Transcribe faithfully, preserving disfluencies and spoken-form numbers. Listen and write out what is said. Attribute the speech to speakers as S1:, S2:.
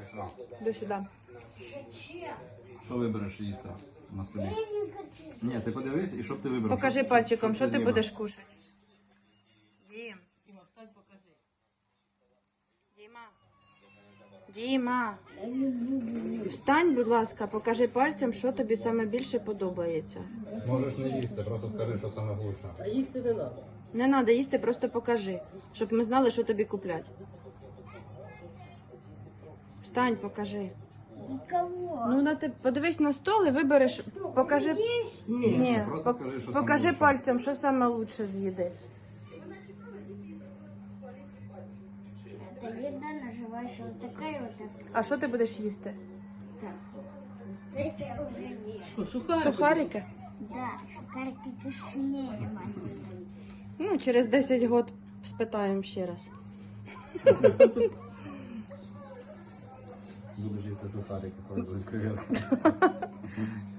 S1: До сюди.
S2: Що вибереш їсти на столі? Ні, ти подивись і щоб ти вибрав.
S1: Покажи
S2: Що-
S1: пальчиком,
S2: що
S1: що ти
S2: знімеш?
S1: будеш кушати. Дім.
S3: Діма, встань, покажи.
S1: Діма. Діма. Встань, будь ласка, покажи пальцем, що тобі саме більше подобається.
S2: Можеш не їсти, просто скажи, що саме лучше.
S3: А їсти не треба.
S1: Не треба їсти, просто покажи, щоб ми знали, що тобі куплять. Встань, покажи.
S4: Никого.
S1: Ну, на ти подивись на стол і вибереш, покажи. Ні,
S2: просто
S1: пок-
S2: скажи, що
S1: покажи
S2: саме лучше.
S1: пальцем, що саме лучше з їди.
S4: Это еда наживаешь вот такая вот так.
S1: А що ти будеш їсти?
S4: Это я уже вижу.
S3: Що, сухарики?
S1: Сухарики?
S4: Да, шикарки вкуснее, мама.
S1: Ну, через десять років спитаємо ще раз.
S2: Будеш їсти сухарики, коли будуть креветки.